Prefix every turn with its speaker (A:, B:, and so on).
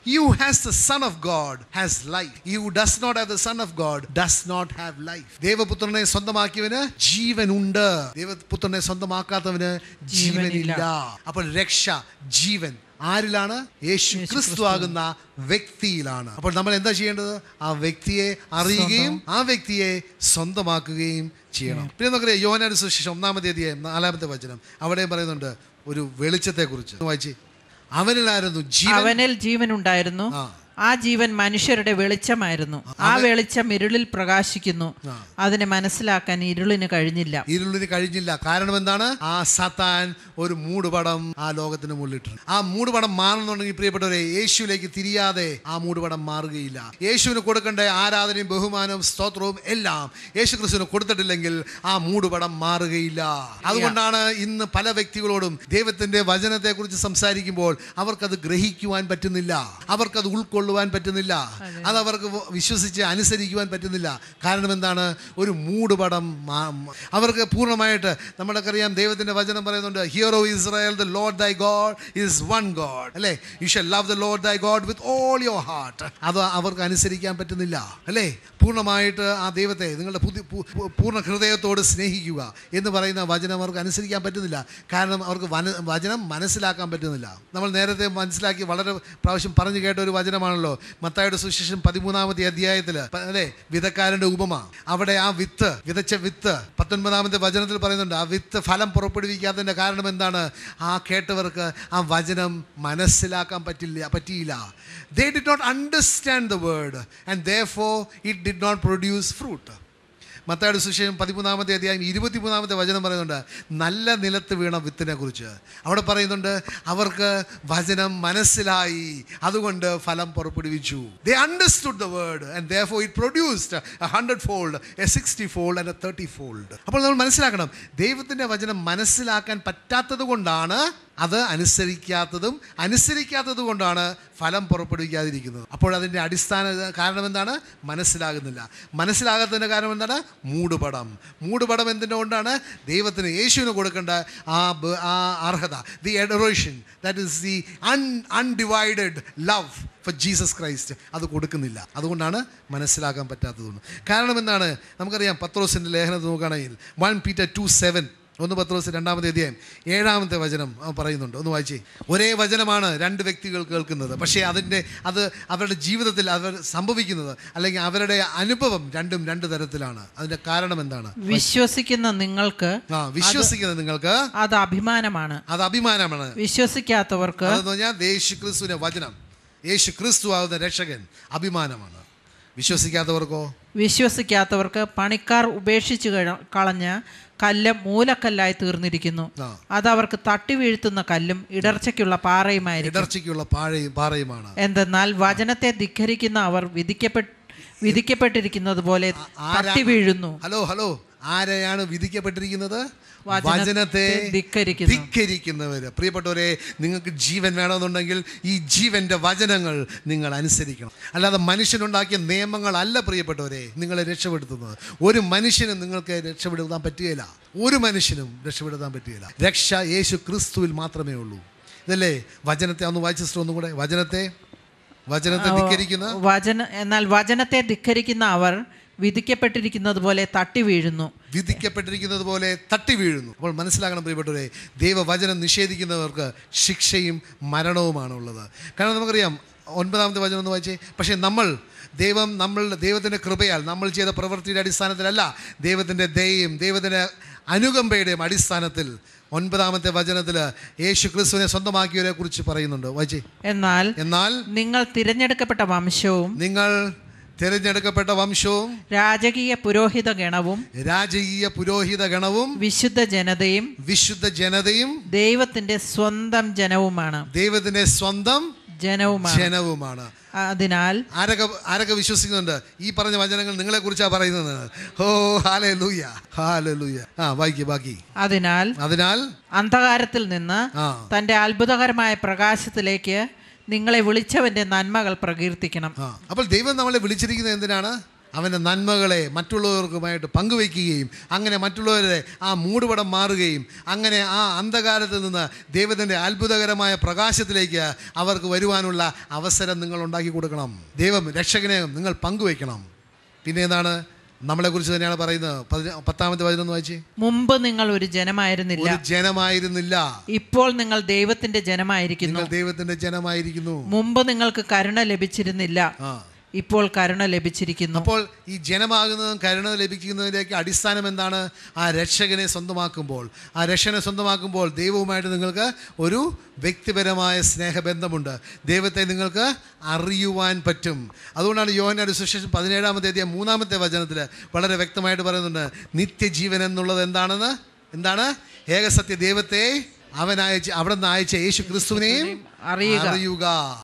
A: He who has the Son of God has life. He who does not have the Son of God does not have life. ദേവപുത്രനെ സ്വന്തമാക്കിയവന് ജീവനുണ്ട്, ദേവപുത്രനെ സ്വന്തമാക്കാത്തവന് ജീവനില്ല. അപ്പോൾ രക്ഷ, ജീവൻ ആരിലാണ്? യേശു ക്രിസ്തു ആകുന്ന വ്യക്തിയിലാണ്. അപ്പോൾ നമ്മൾ എന്താ ചെയ്യേണ്ടത്? ആ വ്യക്തിയെ അറിയുകയും ആ വ്യക്തിയെ സ്വന്തമാക്കുകയും ചെയ്യണം. പിന്നെ നമുക്കറിയാം യോഹന്നാന്റെ സുവിശേഷം 1-ാമത്തെ അധ്യായം 4-ാമത്തെ വചനം, അവിടെ പറയുന്നുണ്ട് ഒരു വെളിച്ചത്തെ കുറിച്ച്. വായിച്ചേ. അവനിലായിരുന്നു ജീവൻ, അവനിൽ ജീവൻ ഉണ്ടായിരുന്നു, ആ ജീവൻ മനുഷ്യരുടെ വെളിച്ചമായിരുന്നു, ആ വെളിച്ചം ഇരുളിൽ പ്രകാശിക്കുന്നു, അതിനെ മനസ്സിലാക്കാൻ ഇരുളിന് കഴിഞ്ഞില്ല. കാരണം എന്താണ്? ആ സാത്താൻ ഒരു മൂടുപടം ആ ലോകത്തിന് മുള്ളിട്ടുണ്ട്. ആ മൂടുപടം മാറണമെന്നുണ്ടെങ്കിൽ പ്രിയപ്പെട്ടവരെ, യേശുവിലേക്ക് തിരിയാതെ ആ മൂടുപടം മാറുകയില്ല. യേശുവിന് കൊടുക്കേണ്ട ആരാധനയും ബഹുമാനവും സ്തോത്രവും എല്ലാം യേശു ക്രിസ്തുവിന് കൊടുത്തിട്ടില്ലെങ്കിൽ ആ മൂടുപടം മാറുകയില്ല. അതുകൊണ്ടാണ് ഇന്ന് പല വ്യക്തികളോടും ദൈവത്തിന്റെ വചനത്തെ കുറിച്ച് സംസാരിക്കുമ്പോൾ അവർക്കത് ഗ്രഹിക്കുവാൻ പറ്റുന്നില്ല, അവർക്കത് ഉൾക്കൊള്ളുവാൻ പറ്റുന്നില്ല, അത് അവർക്ക് വിശ്വസിച്ച് അനുസരിക്കുവാൻ പറ്റുന്നില്ല. കാരണം എന്താണ്? ഒരു മൂടുപടം. അവർക്ക് പൂർണ്ണമായിട്ട്, നമ്മൾക്കറിയാം ദൈവത്തിന്റെ വചനം പറയുന്നുണ്ട്, hear O Israel, the Lord thy God is one God, അല്ലേ? You shall love the Lord thy God with all your heart. അത് അവർക്ക് അനുസരിക്കാൻ പറ്റുന്നില്ല, അല്ലേ? പൂർണ്ണമായിട്ട് ആ ദൈവത്തെ നിങ്ങളുടെ പൂർണ്ണ ഹൃദയത്തോട് സ്നേഹിക്കുക എന്ന് പറയുന്ന വചനം അവർക്ക് അനുസരിക്കാൻ പറ്റുന്നില്ല. കാരണം അവർക്ക് വചനം മനസ്സിലാക്കാൻ പറ്റുന്നില്ല. നമ്മൾ നേരത്തെ മനസ്സിലാക്കി വളരെ പ്രാവശ്യം പറഞ്ഞു കേട്ട ഒരു വചനമാണല്ലോ മത്തായിയുടെ സുവിശേഷം 13-ാമത്തെ അധ്യായത്തിൽ, അല്ലേ? വിതക്കാരന്റെ ഉപമ. അവിടെ ആ വിതച്ച വിത്ത് 19-ാമത്തെ വചനത്തിൽ പറയുന്നുണ്ട്, ആ വിത്ത് ഫലം പുറപ്പെടുവിക്കാത്തതിന്റെ കാരണം എന്താണ്? ആ കേട്ടവർക്ക് ആ വചനം മനസ്സിലാക്കാൻ പറ്റിയില്ല. They did not understand the word and therefore it did not produce fruit. മത്തായിയുടെ സുവിശേഷം 13-ാമത്തെ അധ്യായം 23-ാമത്തെ വചനം പറയുന്നുണ്ട് നല്ല നിലത്ത് വീണ വിത്തിനെ കുറിച്ച്. അവിടെ പറയുന്നുണ്ട് അവർക്ക് വചനം മനസ്സിലായി, അതുകൊണ്ട് ഫലം പുറപ്പെടുവിച്ചു. They understood the word and therefore it produced 100-fold, a 60-fold and a 30-fold. അപ്പോൾ നമ്മൾ മനസ്സിലാക്കണം, ദൈവത്തിൻ്റെ വചനം മനസ്സിലാക്കാൻ പറ്റാത്തത് കൊണ്ടാണ് അത് അനുസരിക്കാത്തത് കൊണ്ടാണ് ഫലം പുറപ്പെടുവിക്കാതിരിക്കുന്നത്. അപ്പോൾ അതിൻ്റെ അടിസ്ഥാന കാരണം എന്താണ്? മനസ്സിലാകാത്തതിൻ്റെ കാരണം എന്താണ്? മൂടുപടം എന്തിൻ്റെ കൊണ്ടാണ്? ദൈവത്തിന്, യേശുവിന് കൊടുക്കേണ്ട ആ അർഹത, the adoration, that is the undivided love for Jesus Christ, അത് കൊടുക്കുന്നില്ല. അതുകൊണ്ടാണ് മനസ്സിലാക്കാൻ പറ്റാത്തതുകൊണ്ട്. കാരണം എന്താണ്? നമുക്കറിയാം പത്രോസിൻ്റെ ലേഖനത്തിൽ നോക്കുകയാണെങ്കിൽ 1 Peter 2:7, 1 പത്രോസ് 2-ാമത്തെ അധ്യായം 7-ാമത്തെ വചനം പറയുന്നുണ്ട്. ഒന്ന് വായിച്ചേ. ഒരേ വചനമാണ് രണ്ട് വ്യക്തികൾ കേൾക്കുന്നത്, പക്ഷേ അത് അവരുടെ ജീവിതത്തിൽ അവർ സംഭവിക്കുന്നത് അല്ലെങ്കിൽ അവരുടെ അനുഭവം രണ്ടും രണ്ട് തരത്തിലാണ്. അതിന്റെ കാരണം എന്താണ്? വിശ്വസിക്കുന്ന നിങ്ങൾക്ക് അത് അഭിമാനമാണ്. വിശ്വസിക്കാത്തവർക്ക് യേശുക്രിസ്തുവിന്റെ വചനം, യേശു ക്രിസ്തു ആവുന്ന രക്ഷകൻ അഭിമാനമാണ്. വിശ്വസിക്കാത്തവർക്ക് പണിക്കാർ ഉപേക്ഷിച്ച് കളഞ്ഞ കല്ല് മൂലക്കല്ലായി തീർന്നിരിക്കുന്നു. അത് അവർക്ക് തട്ടി വീഴ്ത്തുന്ന കല്ലും ഇടർച്ചയ്ക്കുള്ള പാറയുമാണ്. എന്തെന്നാൽ വചനത്തെ ധിക്കരിക്കുന്ന അവർ വിധിക്കപ്പെട്ടിരിക്കുന്നത് പോലെ തട്ടി വീഴുന്നു. ഹലോ, ആരെയാണ് വിധിക്കപ്പെട്ടിരിക്കുന്നത്? വചനത്തെ ധിക്കരിക്കുന്നവര്. പ്രിയപ്പെട്ടവരെ, നിങ്ങൾക്ക് ജീവൻ വേണമെന്നുണ്ടെങ്കിൽ ഈ ജീവന്റെ വചനങ്ങൾ നിങ്ങൾ അനുസരിക്കണം. അല്ലാതെ മനുഷ്യനുണ്ടാക്കിയ നിയമങ്ങളല്ല പ്രിയപ്പെട്ടവരെ നിങ്ങളെ രക്ഷപ്പെടുത്തുന്നത്. ഒരു മനുഷ്യനും നിങ്ങൾക്ക് രക്ഷപ്പെടുത്താൻ പറ്റുകയില്ല. രക്ഷ യേശു ക്രിസ്തുവിൽ മാത്രമേ ഉള്ളൂ. ഇതല്ലേ വചനത്തെ ഒന്ന് വായിച്ചിട്ട് ഒന്നും കൂടെ. വചനത്തെ എന്നാൽ വചനത്തെ ധിക്കരിക്കുന്ന അവർ വിധിക്കപ്പെട്ടിരിക്കുന്നത് പോലെ തട്ടി വീഴുന്നു. അപ്പോൾ മനസ്സിലാക്കണം പ്രിയപ്പെട്ടവരെ, ദൈവവചനം നിഷേധിക്കുന്നവർക്ക് ശിക്ഷയും മരണവുമാണ് ഉള്ളത്. കാരണം നമുക്കറിയാം 9-ാമത്തെ വചനം ഒന്ന് വായിച്ചേ. പക്ഷേ ദൈവത്തിൻ്റെ കൃപയാൽ നമ്മൾ ചെയ്ത പ്രവൃത്തിയുടെ അടിസ്ഥാനത്തിലല്ല, ദൈവത്തിൻ്റെ ദയയും ദൈവത്തിൻ്റെ അനുകമ്പയുടെയും അടിസ്ഥാനത്തിൽ 9-ാമത്തെ വചനത്തിൽ യേശു ക്രിസ്തുവിനെ സ്വന്തമാക്കിയവരെ കുറിച്ച് പറയുന്നുണ്ട്. വായിച്ചേ. എന്നാൽ നിങ്ങൾ തിരഞ്ഞെടുക്കപ്പെട്ട വംശവും രാജകീയ പുരോഹിത ഗണവും വിശുദ്ധ ജനതയും ദൈവത്തിന്റെ സ്വന്തം ജനവുമാണ്. അതിനാൽ ആരൊക്കെ വിശ്വസിക്കുന്നുണ്ട്? ഈ പറഞ്ഞ വചനങ്ങൾ നിങ്ങളെ കുറിച്ചാണ് പറയുന്നത്. ഓ ഹല്ലേലൂയ. ബാക്കി. അതിനാൽ അന്ധകാരത്തിൽ നിന്ന് തന്റെ അത്ഭുതകരമായ പ്രകാശത്തിലേക്ക് നിങ്ങളെ വിളിച്ചവന്റെ നന്മകൾ പ്രകീർത്തിക്കണം. അപ്പോൾ ദൈവം നമ്മളെ വിളിച്ചിരിക്കുന്നത് എന്തിനാണ്? അവൻ്റെ നന്മകളെ മറ്റുള്ളവർക്കുമായിട്ട് പങ്കുവയ്ക്കുകയും അങ്ങനെ മറ്റുള്ളവരെ ആ മൂടുപടം മാറുകയും അങ്ങനെ ആ അന്ധകാരത്തിൽ നിന്ന് ദൈവത്തിൻ്റെ അത്ഭുതകരമായ പ്രകാശത്തിലേക്ക് അവർക്ക് വരുവാനുള്ള അവസരം നിങ്ങൾ ഉണ്ടാക്കി കൊടുക്കണം. ദൈവം രക്ഷകനെ നിങ്ങൾ പങ്കുവയ്ക്കണം. പിന്നെ എന്താണ്? നമ്മളെക്കുറിച്ച് തന്നെയാണ് പറയുന്നത്. 10-ാമത്തെ വചനം വായിച്ചേ.
B: മുമ്പ് നിങ്ങൾ ഒരു ജനമായിരുന്നില്ല, ഇപ്പോൾ നിങ്ങൾ ദൈവത്തിന്റെ ജനമായിരിക്കുന്നു. മുമ്പ് നിങ്ങൾക്ക് കരുണ ലഭിച്ചിരുന്നില്ല, ഇപ്പോൾ കരുണ ലഭിച്ചിരിക്കുന്നു.
A: അപ്പോൾ ഈ ജനമാകുന്നതും കരുണ ലഭിക്കുന്നതിലേക്ക് അടിസ്ഥാനം എന്താണ്? ആ രക്ഷകനെ സ്വന്തമാക്കുമ്പോൾ, ആ രക്ഷകനെ സ്വന്തമാക്കുമ്പോൾ ദൈവവുമായിട്ട് നിങ്ങൾക്ക് ഒരു വ്യക്തിപരമായ സ്നേഹബന്ധമുണ്ട്. ദൈവത്തെ നിങ്ങൾക്ക് അറിയുവാൻ പറ്റും. അതുകൊണ്ടാണ് യോഹന്നാന്റെ സുവിശേഷം 17-ാമത്തെ അധ്യായം 3-ാമത്തെ വചനത്തിൽ വളരെ വ്യക്തമായിട്ട് പറയുന്നുണ്ട്, നിത്യജീവൻ എന്നുള്ളത് എന്താണ്? ഏകസത്യ ദൈവത്തെ അവിടെ നിന്ന് അയച്ച യേശു ക്രിസ്തുവിനെയും അറിയുക.